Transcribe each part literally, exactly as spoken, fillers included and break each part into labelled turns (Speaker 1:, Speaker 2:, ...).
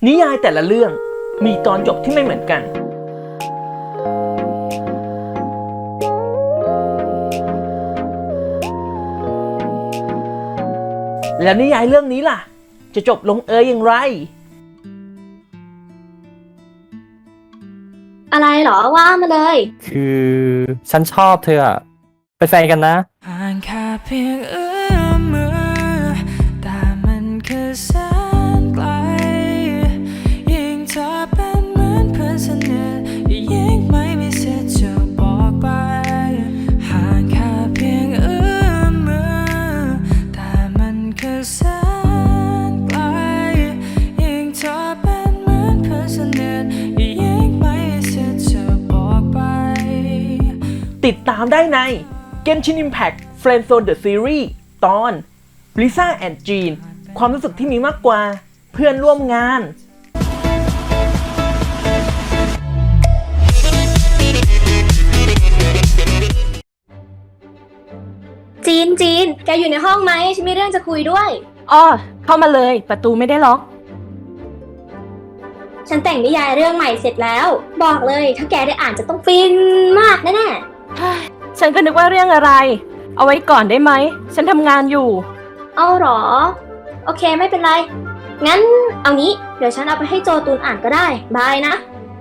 Speaker 1: นิยายแต่ละเรื่องมีตอนจบที่ไม่เหมือนกัน แล้วนิยายเรื่องนี้ล่ะจะจบลงเอยอย่างไร
Speaker 2: อะไรเหรอว่ามาเลย
Speaker 3: คือฉันชอบเธออะเป็นแฟนกันนะ
Speaker 4: ห่างแค่เพียงเอื้อมมือแต่มันคือแสนไกลยิ่งเธอเป็นเหมือนเพื่อนสนิทยิ่งไม่มีสิทธิ์จะบอกไปห่างแค่เพียงเอื้อมมือแต่มันคือแสนไกลยิ่งเธอเป็นเหมือนเพื่อนสนิทยิ่งไม่มีสิทธิ์จะบอกไป
Speaker 1: ติดตามได้ใน Genshin Impact Friendzone The Series ตอน Lisa and Jean ความรู้สึกที่มีมากกว่าเพื่อนร่วมงาน
Speaker 2: จีนจีนแกอยู่ในห้องไหมฉันมีเรื่องจะคุยด้วย
Speaker 5: อ้อเข้ามาเลยประตูไม่ได้ล็อก
Speaker 2: ฉันแต่งนิยายเรื่องใหม่เสร็จแล้วบอกเลยถ้าแกได้อ่านจะต้องฟินมากแน่
Speaker 5: ๆฉันก็นึกว่าเรื่องอะไรเอาไว้ก่อนได้ไหมฉันทำงานอยู่
Speaker 2: เอาหรอโอเคไม่เป็นไรงั้นเอางี้เดี๋ยวฉันเอาไปให้โจตูนอ่านก็ได้บายนะ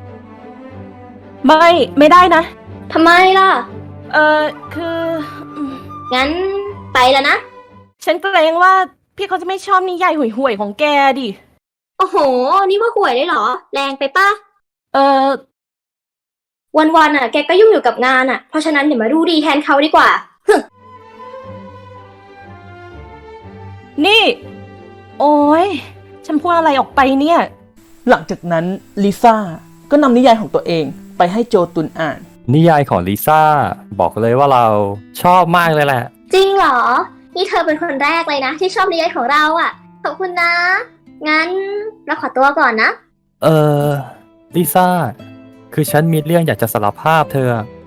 Speaker 5: ไม่ไม่ได้นะ
Speaker 2: ทำไมล่ะ
Speaker 5: เออคือ
Speaker 2: งั้นไปแล้วนะ
Speaker 5: ฉันเกรงว่าพี่เขาจะไม่ชอบนิยายห่วยๆของแกดิ
Speaker 2: โอ้โหนี่ว่าห่วยได้เหรอแรงไปป่ะ
Speaker 5: เออ
Speaker 2: วันๆอ่ะแกก็ยุ่งอยู่กับงานอ่ะเพราะฉะนั้นเดี๋ยวมาดูดีแทนเขาดีกว่า
Speaker 5: นี่โอ้ยฉันพูดอะไรออกไปเนี่ย
Speaker 1: หลังจากนั้นลิซ่าก็นำนิยายของตัวเองไปให้โจตุนอ่าน
Speaker 3: นิยายของลิซ่าบอกเลยว่าเราชอบมากเลยแหละ
Speaker 2: จริงเหรอนี่เธอเป็นคนแรกเลยนะที่ชอบนิยายของเราอ่ะขอบคุณนะงั้นเราขอตัวก่อนนะ
Speaker 3: เออลิซ่าคือฉันมีเรื่องอยากจะสารภาพเธอ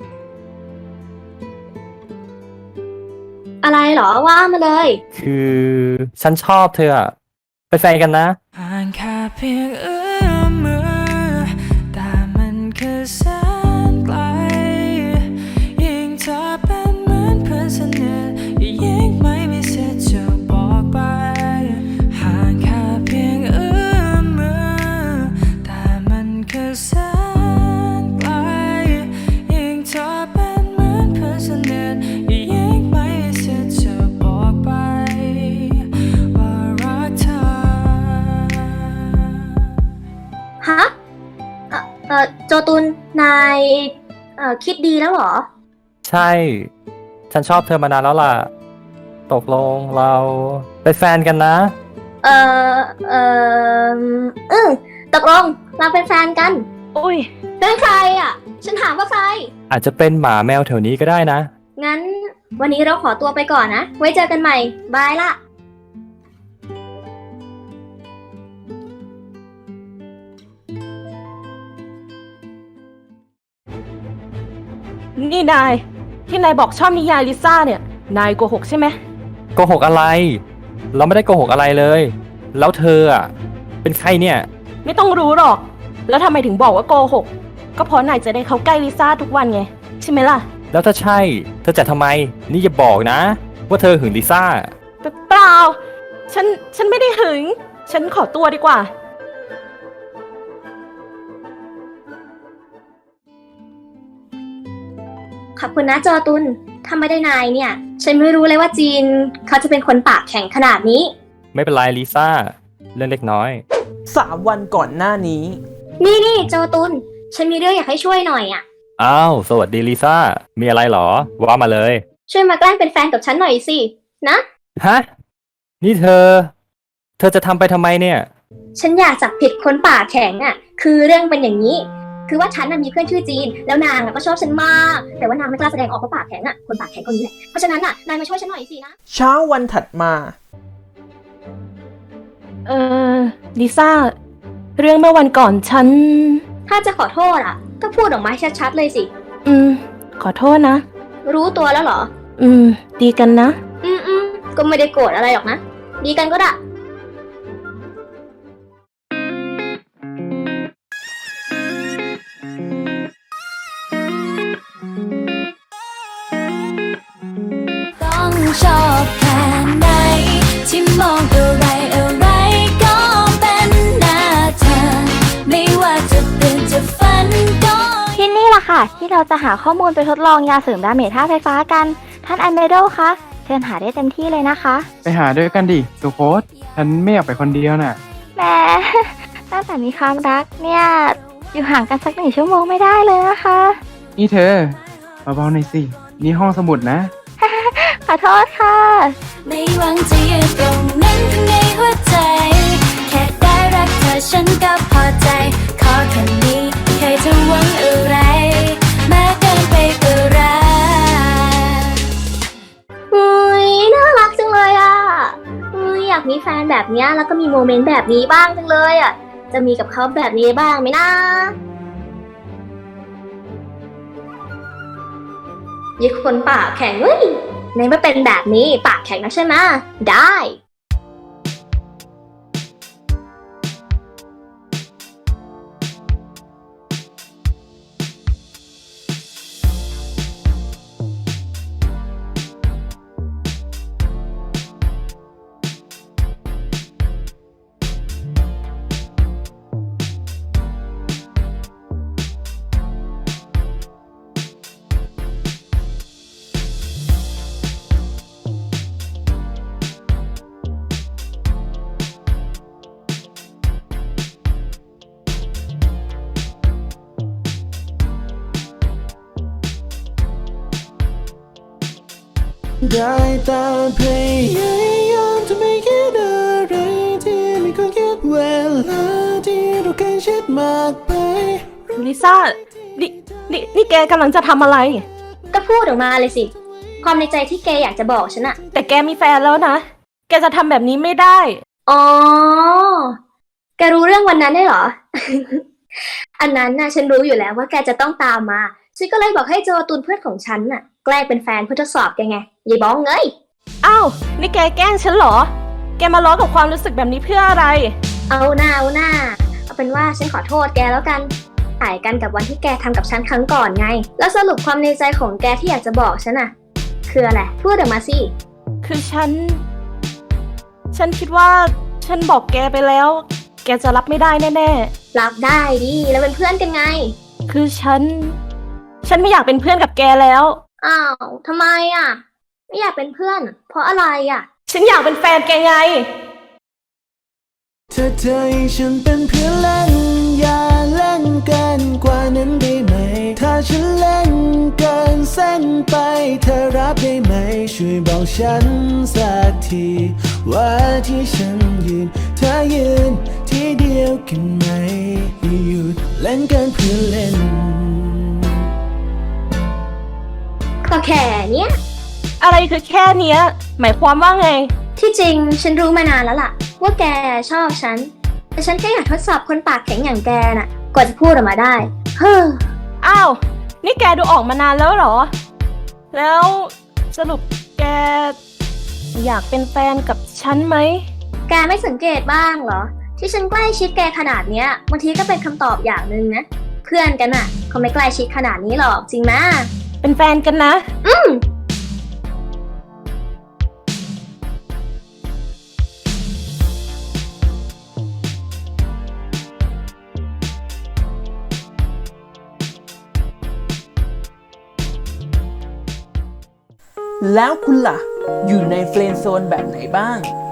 Speaker 2: อะไรเหรอว่ามาเลย
Speaker 3: คือฉันชอบเธอเป็นแฟนกันนะ
Speaker 4: ห่างแค่เพียงเอื้อมมือแต่มันคือแสนไกลยิ่งเธอเป็นเหมือนเพื่อนสนิทยิ่งไม่มีสิทธิ์จะบอกไปห่างแค่เพียงเอื้อมมือแต่มันคือแสนไกลยิ่งเธอเป็นเหมือนเพื่อนสนิทยิ่งไม่มีสิทธิ์จะบอกไปว่ารักเธอ
Speaker 2: ฮะเอ่อเอ่อโจตุนนายเอ่อคิดดีแล้วเหรอ
Speaker 3: ใช่ฉันชอบเธอมานานแล้วล่ะตกลงเราเป็นแฟนกันนะ
Speaker 2: เออเอออืมตกลงเราเป็นแฟนกัน
Speaker 5: อุ้ย
Speaker 2: เป็นใครอ่ะฉันถามว่าใคร
Speaker 3: อาจจะเป็นหมาแมวแถวนี้ก็ได้นะ
Speaker 2: งั้นวันนี้เราขอตัวไปก่อนนะไว้เจอกันใหม่บายละ
Speaker 5: นี่นายที่นายบอกชอบนิยายลิซ่าเนี่ยนายโกหกใช่ไหม
Speaker 3: โกหกอะไรเราไม่ได้โกหกอะไรเลยแล้วเธออ่ะเป็นใครเนี่ย
Speaker 5: ไม่ต้องรู้หรอกแล้วทำไมถึงบอกว่าโกหกก็เพราะนายจะได้เข้าใกล้ลิซ่าทุกวันไงใช่ไหมล่ะ
Speaker 3: แล้วถ้าใช่เธอจะทำไมนี่อย่าบอกนะว่าเธอหึงลิซ่า
Speaker 5: เปล่าฉันฉันไม่ได้หึงฉันขอตัวดีกว่า
Speaker 2: ขอบคุณนะโจตุนถ้าไม่ได้นายเนี่ยฉันไม่รู้เลยว่าจีนเขาจะเป็นคนปากแข็งขนาดนี้
Speaker 3: ไม่เป็นไรลิซ่าเรื่องเล็กน้อย
Speaker 1: สามวันก่อนหน้านี้
Speaker 2: นี่นี่โจตุนฉันมีเรื่องอยากให้ช่วยหน่อยอ่ะ
Speaker 3: อ้าวสวัสดีลิซ่ามีอะไรหรอว่ามาเลย
Speaker 2: ช่วยมาแกล้งเป็นแฟนกับฉันหน่อยสินะ
Speaker 3: ฮะนี่เธอเธอจะทำไปทำไมเนี่ย
Speaker 2: ฉันอยากจับผิดคนปากแข็งอ่ะคือเรื่องเป็นอย่างนี้คือว่าฉันน่ะมีเพื่อนชื่อจีนแล้วนางก็ชอบฉันมากแต่ว่านางไม่กล้าแสดงออกเพราะปากแข็งอ่ะคนปากแข็งคนนี้แหละเพราะฉะนั้นน่ะนายมาช่วยฉันหน่อยสินะ
Speaker 1: เช้าวันถัดมา
Speaker 5: เออลิซ่าเรื่องเมื่อวันก่อนฉัน
Speaker 2: ถ้าจะขอโทษอ่ะก็พูดออกมาชัดๆเลยสิ
Speaker 5: อืมขอโทษนะ
Speaker 2: รู้ตัวแล้วเหรอ
Speaker 5: อืมดีกันนะ
Speaker 2: อืมอืมก็ไม่ได้โกรธอะไรหรอกนะดีกันก็ได้
Speaker 4: ชอบแค่ไหนที่มองอะไรอะไรก็เป็นหน้าเธอไม่ว่าจะตื่นจะฝันก็
Speaker 6: ที่นี่แหละค่ะ ที่เราจะหาข้อมูลไปทดลองยาเสริมดาเมจธาตุไฟฟ้ากัน ท่านแอมเบโดคะเชิญหาได้เต็มที่เลยนะคะ
Speaker 7: ไปหาด้วยกันดิสุโคตฉันไม่อยากไปคนเดียวน่ะ
Speaker 6: แหม ตั้งแต่มีความรักเนี่ย อยู่ห่างกันสักหนึ่งชั่วโมงไม่ได้เลยนะคะ
Speaker 7: นี่เธอเบาๆหน่อยสิ นี่ห้องสมุดนะ
Speaker 6: ขอโทษค่ะ
Speaker 4: ไม่หวังจะยืนตรงนั้นข้างในหัวใจ แค่ได้รักเธอฉันก็พอใจ ขอแค่นี้ใครจะหวังอะไรแม้เกินไปก็รัก
Speaker 2: อุ้ยน่ารักจังเลยอ่ะอุ้ยอยากมีแฟนแบบเนี้ยแล้วก็มีโมเมนต์แบบนี้บ้างจังเลยอ่ะ จะมีกับเขาแบบนี้บ้างไหมนะยี่คนปากแข็งเว้ยในเมื่อเป็นแบบนี้ปากแข็งนะใช่ไหมได้
Speaker 8: ได้แต่พยายามจะไม่คิดอะไรที่ไม่ควรคิดเวลาที่เราใกล้ชิดมากไป
Speaker 5: ลิซ่า นี่นี่นี่แกกำลังจะทำอะไร
Speaker 2: ก็พูดออกมาเลยสิ ความในใจที่แกอยากจะบอกฉันอะ
Speaker 5: แต่แกมีแฟนแล้วนะ แกจะทำแบบนี้ไม่ได้
Speaker 2: อ๋อ แกรู้เรื่องวันนั้นได้วยเหรอ อันนั้นน่ะฉันรู้อยู่แล้วว่าแกจะต้องตามมา ฉันก็เลยบอกให้โจตุนเพื่อนของฉันน่ะแกล้งเป็นแฟนเพื่อทดสอบแกไงยายบ้องเอ้ย
Speaker 5: อ้าว นี่แกแกล้งฉันเหรอ แกมาล้อกับความรู้สึกแบบนี้เพื่ออะไร
Speaker 2: เอาหน้าเอาหน้า เอาเป็นว่าฉันขอโทษแกแล้วกันถ่ายกันกับวันที่แกทำกับฉันครั้งก่อนไง แล้วสรุปความในใจของแกที่อยากจะบอกฉันน่ะ คืออะไรพูดออกมาสิ
Speaker 5: คือฉัน ฉันคิดว่าฉันบอกแกไปแล้ว แกจะรับไม่ได้แน่
Speaker 2: รับได้ดิแล้วเป็นเพื่อนกันไง
Speaker 5: ๆ คือฉัน ฉันไม่อยากเป็นเพื่อนกับแกแล้ว
Speaker 2: อ้าวทำไมอ่ะ ไม่อยากเป็นเพื่อน เพราะอะไรอ่ะ
Speaker 5: ฉันอยากเป็นแฟนแกไง
Speaker 8: เธอเธอให้ฉันเป็นเพื่อนเล่นอย่าเล่นเกินกว่านั้นได้ไหม ถ้าฉันเล่นเกินเส้นไปเธอรับได้ไหม ช่วยบอกฉันสักทีว่าที่ฉันยืนเธอยืนที่เดียวกันไหมอย่าหยุดเล่นเกินเพื่อนเล่น
Speaker 2: ก็แค่เนี้ย
Speaker 5: อะไรคือแค่เนี้ย หมายความว่าไง
Speaker 2: ที่จริงฉันรู้มานานแล้วล่ะ ว่าแกชอบฉัน แต่ฉันแค่อยากทดสอบคนปากแข็งอย่างแกน่ะ กว่าจะพูดออกมาได้ เฮ้อ
Speaker 5: อ้าว นี่แกดูออกมานานแล้วเหรอ แล้วสรุปแกอยากเป็นแฟนกับฉันไหม
Speaker 2: แกไม่สังเกตบ้างเหรอ ที่ฉันใกล้ชิดแกขนาดเนี้ยบางทีก็เป็นคำตอบอย่างหนึ่งนะ เพื่อนกันน่ะเขาไม่ใกล้ชิดขนาดนี้หรอกจริงไหม
Speaker 5: เป็นแฟนกันนะ
Speaker 2: อืม
Speaker 1: แล้วคุณล่ะ อยู่ในเฟรนด์โซนแบบไหนบ้าง